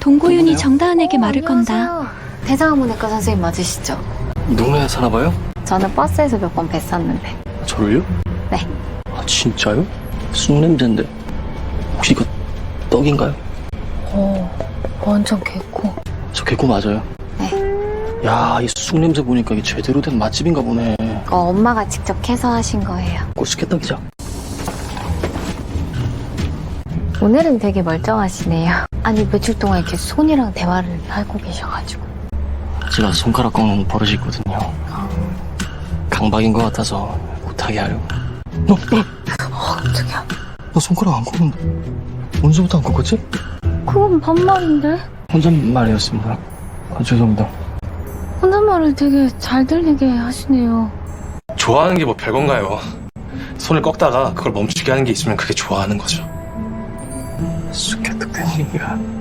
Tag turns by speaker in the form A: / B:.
A: 동고윤이 정다은에게 말을 건다.
B: 안녕하세요. 대장학문외과 선생님 맞으시죠?
C: 이 동네에 사나봐요?
B: 저는 버스에서 몇 번 뵀었는데.
C: 저를요?
B: 네.
C: 아 진짜요? 쑥냄새인데 혹시 이거 떡인가요?
B: 완전 개코.
C: 저 개코 맞아요?
B: 네.
C: 야, 이 쑥냄새 보니까 이게 제대로 된 맛집인가 보네.
B: 이거 엄마가 직접 캐서 하신 거예요.
C: 꼴쑥했떡이죠?
B: 오늘은 되게 멀쩡하시네요. 아니 며칠 동안 이렇게 손이랑 대화를 하고 계셔가지고.
C: 제가 손가락 꺾는 버릇이 있거든요. 강박인 것 같아서 못하게 하려고.
B: 깜짝이야.
C: 나 손가락 안 꺾는데 언제부터 안 꺾었지?
B: 그건 반말인데?
C: 혼잣말이었습니다. 죄송합니다.
B: 혼잣말을 되게 잘 들리게 하시네요.
D: 좋아하는 게 뭐 별건가요? 손을 꺾다가 그걸 멈추게 하는 게 있으면 그게 좋아하는 거죠.
C: 쑥개떡 된 얘기가